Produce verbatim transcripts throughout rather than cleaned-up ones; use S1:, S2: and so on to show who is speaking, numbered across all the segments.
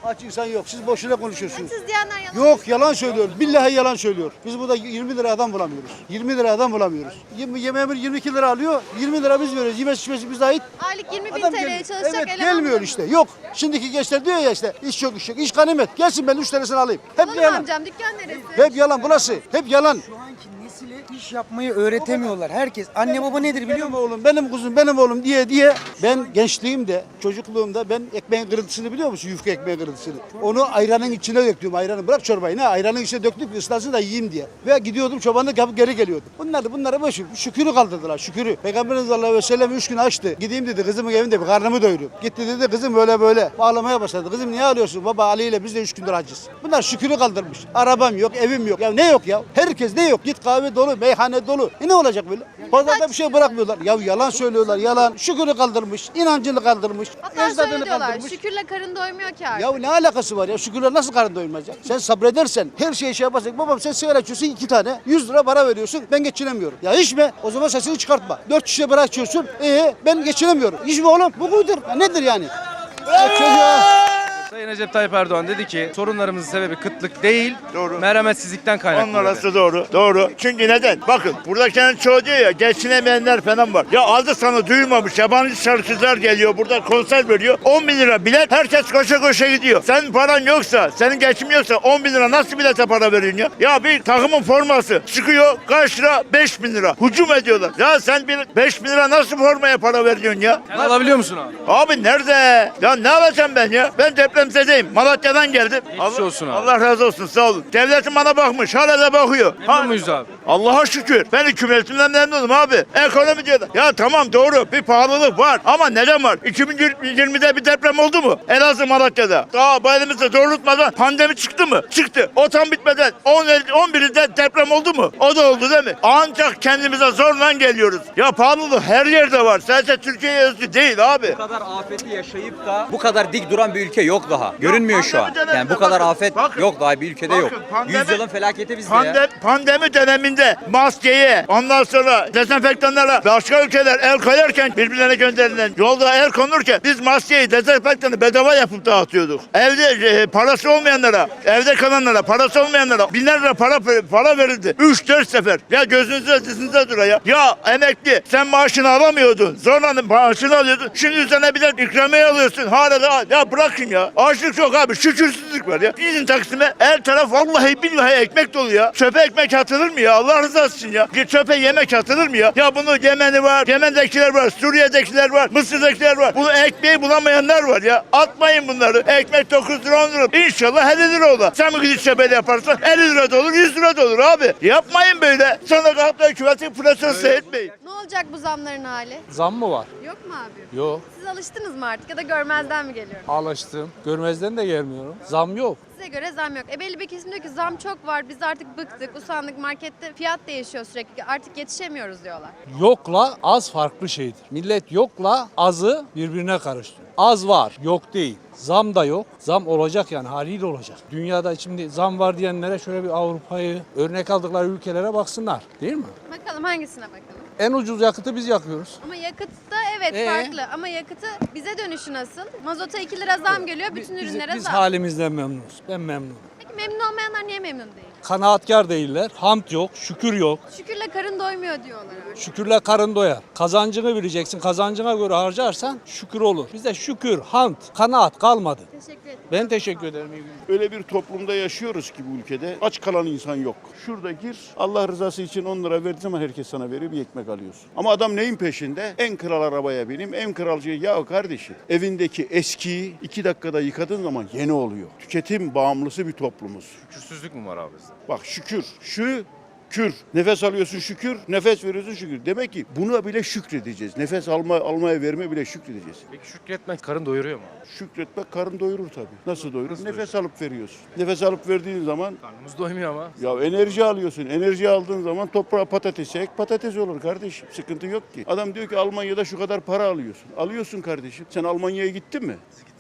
S1: Aç insan yok. Siz boşuna konuşuyorsunuz.
S2: Açız diyenler yalan.
S1: Yok yalan söylüyor. Billahi yalan söylüyor. Biz burada yirmi lira adam bulamıyoruz. yirmi lira adam bulamıyoruz. Yemeğe yirmi iki lira alıyor. yirmi lira biz veriyoruz. Yemesi içmesi bize ait.
S2: Aylık yirmi bin
S1: Adam
S2: T L'ye
S1: gelmiyor.
S2: çalışacak
S1: Evet
S2: eleman
S1: gelmiyor
S2: bulamıyor.
S1: işte. Yok. Şimdiki gençler diyor ya işte iş yok iş yok. İş ganimet. Gelsin ben üç tanesini alayım. Hep
S2: Olur mu
S1: yalan.
S2: amcam? Dükkan neresi?
S1: Hep yalan burası. Hep yalan.
S3: Şu anki nesile iş yapmayı öğretemiyorlar. Herkes anne baba nedir biliyor
S1: Benim
S3: musun?
S1: oğlum, benim kuzum, benim oğlum diye diye ben gençliğimde, çocukluğumda ben ekmeğin kırıntısını biliyor musun? Yufka ekmeğin kırıntısını. Onu ayranın içine döktüm. Ayranı bırak çorbayı ne? Ayranın içine döktük ıslansın da yiyeyim diye. Ve gidiyordum çobanlık yapıp geri geliyordum. Bunlar da bunlara boş ver. Şükürü kaldırdılar şükürü. Peygamberimiz sallallahu aleyhi ve sellem üç gün açtı. Gideyim dedi kızımın evinde bir karnımı doyurayım. Gitti dedi kızım böyle böyle. Ağlamaya başladı. Kızım niye ağlıyorsun? Baba Ali ile biz de üç gündür acız. Bunlar şükürü kaldırmış. Arabam yok, evim yok. Ya ne yok ya? Herkes ne yok? Git kahve dolu, meyhane dolu. E ne olacak böyle? Pazarda bir şey bırakmıyorlar. Ya yalan söylüyorlar yalan. Şükürü kaldırmış, inancını kaldırmış,
S2: Hatta
S1: ecdadını
S2: şöyle diyorlar.
S1: kaldırmış.
S2: Şükürle karın doymuyor ki artık.
S1: Ya ne alakası var ya? Şükürler nasıl karın doyurmaz ya? Sen sabredersen, her şeye şey yaparsan, babam sen sigara içiyorsun iki tane, yüz lira para veriyorsun, ben geçinemiyorum. Ya içme, o zaman sesini çıkartma. Dört şişe bira içiyorsun, ee ben geçinemiyorum. İçme oğlum, bu budur. Ya nedir yani? Ya çocuğa...
S4: Sayın Recep Tayyip Erdoğan dedi ki sorunlarımızın sebebi kıtlık değil,
S5: Doğru.
S4: merhametsizlikten kaynaklı.
S5: Onun
S4: dedi.
S5: arası doğru. Doğru. Çünkü neden? Bakın buradakilerin çoğu diyor ya geçinemeyenler falan var. Ya adı sana duymamış yabancı şarkıcılar geliyor burada konser veriyor. on bin lira bilet herkes koşa koşa gidiyor. Senin paran yoksa, senin geçimin yoksa on bin lira nasıl bilete para veriyorsun ya? Ya bir takımın forması çıkıyor kaç lira? beş bin lira. Hücum ediyorlar. Ya sen bir beş bin lira nasıl formaya para veriyorsun ya?
S4: Sen alabiliyor musun abi?
S5: Abi nerede? Ya ne alacağım ben ya? Ben depremzedeyim. Malatya'dan geldim.
S4: Geçmiş olsun abi.
S5: Allah razı olsun sağ olun. Devletim bana bakmış. Hala da bakıyor.
S4: Memnun muyuz abi?
S5: Allah'a şükür. Ben hükümetimden memnunum abi. Ekonomi diyor. Ya tamam doğru bir pahalılık var. Ama neden var? iki bin yirmide bir deprem oldu mu? Elazığ Malatya'da. Daha bu elimizde doğrultmadan pandemi çıktı mı? Çıktı. O tam bitmeden on birinde deprem oldu mu? O da oldu değil mi? Ancak kendimize zorla geliyoruz. Ya pahalılık her yerde var. Sadece Türkiye'ye özgü değil abi.
S6: Bu kadar afeti yaşayıp da bu kadar dik duran bir ülke yok daha. Görünmüyor şu an.
S5: pandemi döneminde
S6: Yani bu kadar
S5: bakın,
S6: afet
S5: bakın.
S6: yok daha bir ülkede yok.
S5: Bakın, pandemi-
S6: Yüzyılın felaketi bizde
S5: Pandem,
S6: ya.
S5: pandemi döneminde maskeye, ondan sonra dezenfektanlara başka ülkeler el koyarken birbirlerine gönderilen yolda el konurken biz maskeyi, dezenfektanı bedava yapıp dağıtıyorduk. Evde e, parası olmayanlara, evde kalanlara, parası olmayanlara binler lira para para verildi. üç dört sefer. Ya gözünüzde dizinize dur ya. Ya emekli sen maaşını alamıyordun. Zorla maaşını alıyordun. Şimdi üzerine bir de ikramiye alıyorsun. Hala da ya bırakın ya. Açlık çok abi. Şükürsüzlük var ya. Gidin Taksim'e her taraf vallahi billahi ekmek dolu ya. Çöpe ekmek atılır mı ya? Allah rızası için ya. Bir çöpe yemek atılır mı ya? Ya bunu Yemen'i var, Yemen'dekiler var, Suriye'dekiler var, Mısır'dakiler var. Bunu ekmeği bulamayanlar var ya. Atmayın bunları. Ekmek dokuz lira on lira. İnşallah elli lira olur. Sen mi gidip çöpede yaparsan elli lira da olur, yüz lira da olur abi. Yapmayın böyle. Sonra kalkıp da hükümetin pırasası etmeyin.
S2: Ne olacak bu zamların hali?
S7: Zam mı var?
S2: Yok mu abi?
S7: Yok.
S2: Siz alıştınız mı artık ya da görmezden mi geliyor?
S7: Alıştım. Görmezden de gelmiyorum. Zam yok.
S2: Size göre zam yok. E belli bir kesim diyor ki zam çok var. Biz artık bıktık, usandık. Markette fiyat değişiyor sürekli. Artık yetişemiyoruz diyorlar.
S7: Yokla az farklı şeydir. Millet yokla azı birbirine karıştırıyor. Az var, yok değil. Zam da yok. Zam olacak yani haliyle olacak. Dünyada şimdi zam var diyenlere şöyle bir Avrupa'yı örnek aldıkları ülkelere baksınlar. Değil mi?
S2: Bakalım hangisine bakalım?
S7: En ucuz yakıtı biz yakıyoruz.
S2: Ama yakıtta evet
S7: Ee?
S2: farklı. Ama yakıtı bize dönüşü nasıl? Mazota iki lira zam geliyor. Bütün
S7: Biz,
S2: ürünlere
S7: biz
S2: zam.
S7: halimizden memnunuz. Ben memnunum.
S2: Peki memnun olmayanlar niye memnun değil?
S7: Kanaatkar değiller. Hamd yok, şükür yok.
S2: Şükürle karın doymuyor diyorlar artık.
S7: Şükürle karın doyar. Kazancını bileceksin. Kazancına göre harcarsan şükür olur. Bizde şükür, hamd, kanaat kalmadı.
S2: Teşekkür ederim.
S7: Ben teşekkür ederim. İyi günler.
S8: Öyle bir toplumda yaşıyoruz ki bu ülkede aç kalan insan yok. Şurada gir Allah rızası için on lira verdiği zaman herkes sana veriyor bir ekmek alıyorsun. Ama adam neyin peşinde? En kral arabaya bineyim, en kral şey. Ya kardeşim evindeki eskiyi iki dakikada yıkadığın zaman yeni oluyor. Tüketim bağımlısı bir toplumuz.
S4: Şükürsüzlük mü var abi bizde?
S8: Bak şükür, şu kür. Nefes alıyorsun şükür, nefes veriyorsun şükür. Demek ki buna bile şükredeceğiz. Nefes alma, almaya verme bile şükredeceğiz.
S4: Peki şükretmek karın doyuruyor mu?
S8: Şükretmek karın doyurur tabii. Nasıl doyurur?
S4: Nasıl
S8: Nefes alıp veriyorsun. Nefes alıp verdiğin zaman
S4: Karnımız doymuyor ama.
S8: ya enerji alıyorsun. Enerji aldığın zaman toprağa patates ek, patates olur kardeşim. Sıkıntı yok ki. Adam diyor ki Almanya'da şu kadar para alıyorsun. Alıyorsun kardeşim. Sen Almanya'ya gittin mi?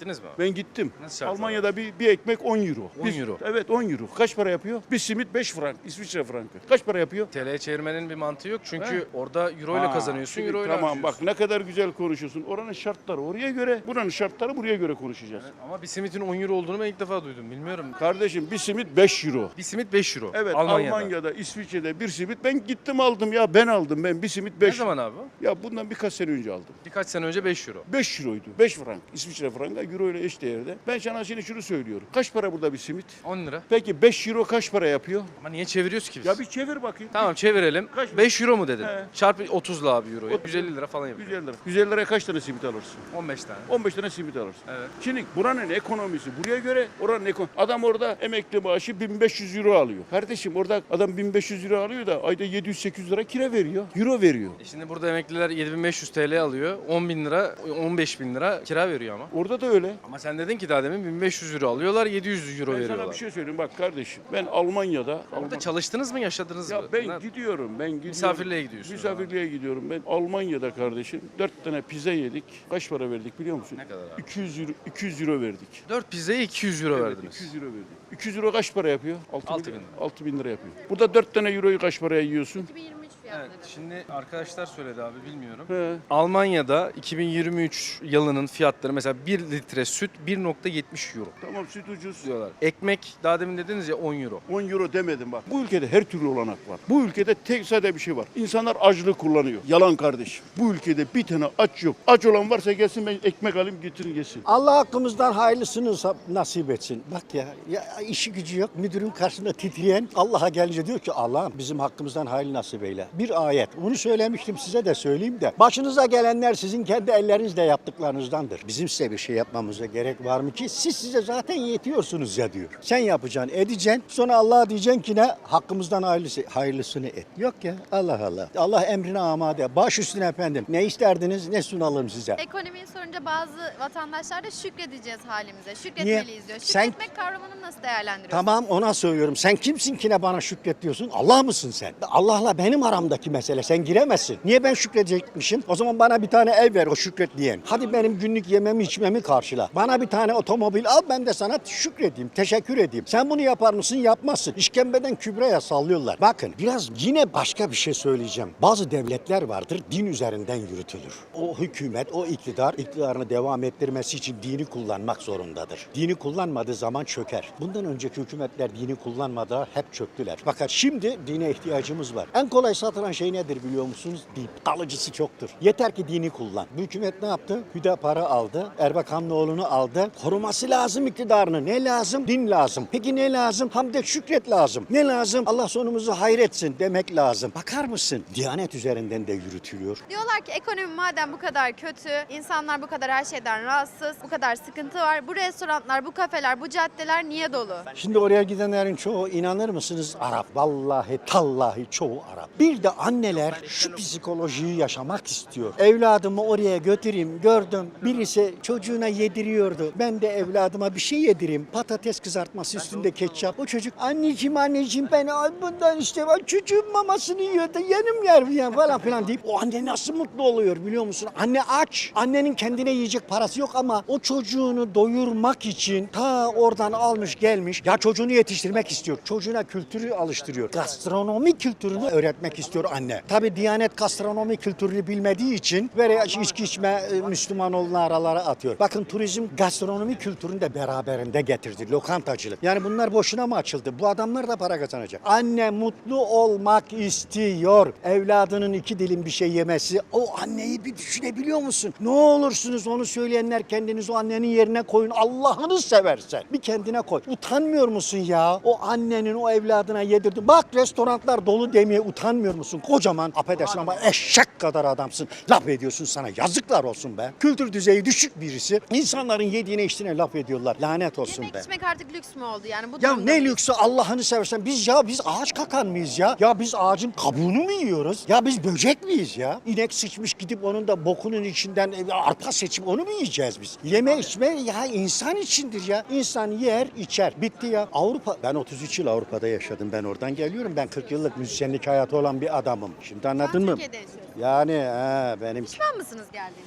S4: Gittiniz mi abi?
S8: Ben gittim.
S4: Nasıl şartlar
S8: Almanya'da bir, bir ekmek on euro.
S4: on euro.
S8: Evet on euro. Kaç para yapıyor? Bir simit beş frank. İsviçre frankı. Kaç para yapıyor?
S4: T L'ye çevirmenin bir mantığı yok çünkü
S8: He.
S4: orada euro ile
S8: Ha,
S4: kazanıyorsun,
S8: şimdi
S4: euro ile
S8: Tamam
S4: harcıyorsun.
S8: bak ne kadar güzel konuşuyorsun. Oranın şartları oraya göre, buranın şartları buraya göre konuşacağız.
S4: Ama bir simitin on euro olduğunu ben ilk defa duydum. Bilmiyorum.
S8: Kardeşim bir simit beş euro.
S4: Bir simit beş euro.
S8: Evet
S4: Almanya'da.
S8: Almanya'da. İsviçre'de bir simit ben gittim aldım ya ben aldım ben bir simit
S4: Ne
S8: beş.
S4: zaman abi?
S8: Ya bundan birkaç sene önce aldım.
S4: Birkaç sene önce beş euro.
S8: beş euroydu. beş frank. İsviçre franga euro ile eş değerde. Ben sana şimdi şunu söylüyorum. Kaç para burada bir simit?
S4: on lira.
S8: Peki beş euro kaç para yapıyor?
S4: Ama niye çeviriyoruz ki biz?
S8: Ya bir çevir bakayım.
S4: Tamam çevirelim.
S8: Kaç-
S4: beş euro mu dedin?
S8: He.
S4: Çarpı otuzla abi euroyu.
S8: Otuz.
S4: yüz elli lira falan yapıyor.
S8: yüz elli lira. yüz elli liraya kaç tane simit alırsın?
S4: on beş tane.
S8: on beş tane simit alırsın.
S4: Evet.
S8: Şimdi buranın ekonomisi buraya göre oranın ekonomi. Adam orada emekli maaşı bin beş yüz euro alıyor. Kardeşim orada adam bin beş yüz euro alıyor da ayda yedi yüz sekiz yüz lira kira veriyor. Euro veriyor.
S4: E şimdi burada emekliler yedi bin beş yüz T L alıyor. on bin lira, on beş bin lira kira veriyor ama.
S8: Orada da öyle.
S4: Ama sen dedin ki daha demin bin beş yüz euro alıyorlar, yedi yüz euro
S8: Ben
S4: veriyorlar.
S8: sana bir şey söyleyeyim bak kardeşim. Ben Almanya'da
S4: Orada
S8: Alman-
S4: çalıştınız mı, yaşadınız
S8: Ya
S4: mı?
S8: ben
S4: Ne-
S8: gidiyorum, ben gidiyorum.
S4: Misafirliğe gidiyorsun
S8: Misafirliğe gidiyorum. Ben Almanya'da kardeşim dört tane pizza yedik. Kaç para verdik biliyor musun?
S4: Ne kadar abi?
S8: iki yüz euro, iki yüz euro verdik.
S4: dört pizzaya iki yüz euro
S8: Evet,
S4: verdiniz.
S8: iki yüz euro verdik. iki yüz euro kaç para yapıyor?
S4: Altı
S8: bin,
S4: bin.
S8: altı bin lira yapıyor. Burada dört tane euroyu kaç paraya yiyorsun?
S2: iki bin yirmi üç fiyatları.
S4: Evet, şimdi arkadaşlar söyledi abi bilmiyorum.
S8: He.
S4: Almanya'da iki bin yirmi üç yılının fiyatları mesela bir litre süt bir nokta yetmiş euro
S8: Tamam süt ucuz.
S4: diyorlar. Ekmek daha demin dediniz ya on euro.
S8: on euro demedim bak. Bu ülkede her türlü olanak var. Bu ülkede tek sade bir şey var. İnsanlar açlığı kullanıyor. Yalan kardeşim. Bu ülkede bir tane aç yok. Aç olan varsa gelsin ben ekmek alayım getirin gelsin.
S9: Allah hakkımızdan hayırlısını sa- nasip etsin. Bak ya, ya işi gücü yok. Müdürün karşısında titreyen Allah'a gelince diyor ki Allah'ım bizim hakkımızdan hayırlı nasip eyle. Bir ayet. Bunu söylemiştim size de söyleyeyim de. Başınıza gelenler sizin kendi ellerinizle yaptıklarınızdandır. Bizim size bir şey yapmamıza gerek var mı ki? Siz size zaten yetiyorsunuz ya diyor. Sen yapacaksın, edeceksin. Sonra Allah'a diyeceksin ki ne? Hakkımızdan hayırlısı, hayırlısını et. Yok ya Allah Allah. Allah emrine amade. Baş üstüne efendim. Ne isterdiniz ne sunalım size.
S2: Ekonomiyi sorunca bazı vatandaşlar da şükredeceğiz halimize. Şükretmeliyiz diyor.
S9: Sen-
S2: Şükretmek kavramını nasıl değerlendiriyorsun?
S9: Tamam ona söylüyorum. Sen kimsin ki ne bana şükret diyorsun? Allah mısın sen? Allah'la benim aramdaki mesele. Sen giremezsin. Niye ben şükredecekmişim? O zaman bana bir tane ev ver o şükret diyen. Hadi benim günlük yememi içmemi karşıla. Bana bir tane otomobil al ben de sana şükredeyim. Teşekkür edeyim. Sen bunu yapar mısın? Yapmazsın. İşkembeden kübreye sallıyorlar. Bakın biraz yine başka bir şey söyleyeceğim. Bazı devletler vardır din üzerinden yürütülür. O hükümet, o iktidar iktidarını devam ettirmesi için dini kullanmak zorundadır. Dini kullanmadığı zaman çöker. Bundan önceki hükümetler dini kullanmadılar, hep çöktüler. Fakat şimdi dine ihtiyacımız var. En kolay satılan şey nedir biliyor musunuz? Din. Kalıcısı çoktur. Yeter ki dini kullan. Bu hükümet ne yaptı? Hüdapar'ı aldı, Erbakanlıoğlu'nu aldı. Koruması lazım iktidarını. Ne lazım? Din lazım. Peki ne lazım? Hamd şükret lazım. Ne lazım? Allah sonumuzu hayretsin demek lazım. Bakar mısın? Diyanet üzerinden de yürütülüyor.
S2: Diyorlar ki ekonomi madem bu kadar kötü, insanlar bu kadar her şeyden rahatsız, bu kadar sıkıntı var. Bu restoranlar, bu kafeler, bu caddeler niye dolu?
S9: Şimdi oraya gidenlerin çoğu inanır mısınız Arap. Vallahi tallahi çoğu Arap. Bir de anneler şu psikolojiyi yaşamak istiyor. Evladımı oraya götüreyim gördüm. Birisi çocuğuna yediriyordu. Ben de evladıma bir şey yedireyim. Patates kızartması üstünde ketçap. O çocuk anneciğim anneciğim ben bundan işte çocuğun mamasını yiyor da yenim yer ya falan filan deyip o anne nasıl mutlu oluyor biliyor musun? Anne aç. Annenin kendine yiyecek parası yok ama o çocuğunu doyurmak için ta oradan almış gelmiş. Ya çocuğunu yetiştirmek istiyor. Çocuğuna kültürü alıştırıyor. Gastronomi kültürünü öğretmek istiyor anne. Tabi Diyanet gastronomi kültürünü bilmediği için böyle içki içme e, Müslüman olan aralara atıyor. Bakın turizm gastronomi kültürünü de beraberinde getirdi. Lokantacılık. Yani bunlar boşuna mı açıldı? Bu adamlar da para kazanacak. Anne mutlu olmak istiyor. Evladının iki dilim bir şey yemesi. O anneyi bir düşünebiliyor musun? Ne olursunuz onu söyleyenler kendiniz o annenin yerine koyun. Allah'ını seversen. Bir kendine koy. Utanmıyor musun ya? O annenin o evladına yedirdi. Bak restoranlar dolu demeye utanmıyor musun? Kocaman affedersin ama eşek kadar adamsın. Laf ediyorsun sana. Yazıklar olsun be. Kültür düzeyi düşük birisi. İnsanların yediğine içtiğine laf ediyorlar. Lanet olsun
S2: Yemek
S9: be.
S2: içmek artık lüks mü oldu yani? Bu
S9: Ya
S2: durumda
S9: ne
S2: mıyız?
S9: lüksü Allah'ını seversen biz ya biz ağaç kakan mıyız ya? Ya biz ağacın kabuğunu mu yiyoruz? Ya biz böcek miyiz ya? İnek sıçmış gidip onun da bokunun içinden e, arpa seçip onu mu yiyeceğiz biz? Yeme içme ya insan içindir ya. İnsan yer içer. Bitti ya. Avrupa ben otuz üç yıl Avrupa'da yaşadım. Ben oradan geliyorum. Ben kırk yıllık müzisyenlik hayatı olan bir adamım. Şimdi
S2: Şu an
S9: anladın mı?
S2: Türkiye'de yaşıyorsunuz.
S9: Yani he, benim
S2: Pişman mısınız geldiğinizde?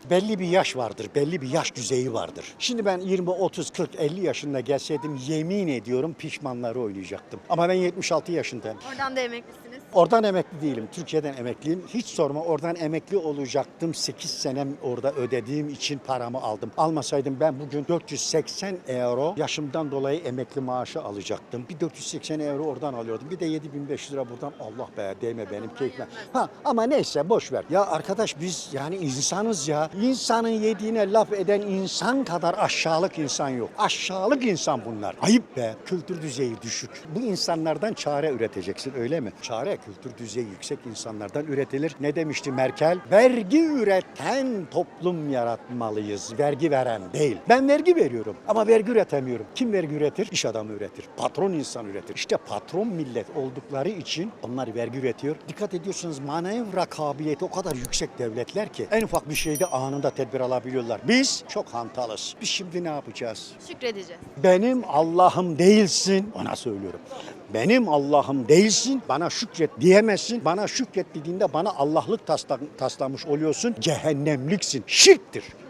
S9: Belli bir yaş vardır, belli bir yaş düzeyi vardır. Şimdi ben yirmi, otuz, kırk, elli yaşında gelseydim yemin ediyorum pişmanları oynayacaktım. Ama ben yetmiş altı yaşındayım.
S2: Oradan da emeklisiniz.
S9: Oradan emekli değilim, Türkiye'den emekliyim. Hiç sorma, oradan emekli olacaktım. sekiz senem orada ödediğim için paramı aldım. Almasaydım ben bugün dört yüz seksen euro yaşımdan dolayı emekli maaşı alacaktım. Bir dört yüz seksen euro oradan alıyordum. Bir de yedi bin beş yüz lira buradan. Allah be, değme benim keyfime. Ha, ama neyse boş ver. Ya arkadaş biz yani insanız ya. İnsanın yediğine laf eden insan kadar aşağılık insan yok. Aşağılık insan bunlar. Ayıp be. Kültür düzeyi düşük. Bu insanlardan çare üreteceksin, öyle mi? Çare kültür düzeyi yüksek insanlardan üretilir. Ne demişti Merkel? Vergi üreten toplum yaratmalıyız. Vergi veren değil. Ben vergi veriyorum ama vergi üretemiyorum. Kim vergi üretir? İş adamı üretir. Patron insan üretir. İşte patron millet oldukları için onlar vergi üretiyor. Dikkat ediyorsunuz, manevra kabiliyeti o kadar yüksek devletler ki en ufak bir şeyde anında tedbir alabiliyorlar. Biz çok hantalız. Biz şimdi ne yapacağız?
S2: Şükredeceğiz.
S9: Benim Allah'ım değilsin. Ona söylüyorum. Benim Allah'ım değilsin. Bana şükret diyemezsin. Bana şükret dediğinde bana Allah'lık tasla, taslamış oluyorsun. Cehennemliksin. Şirktir.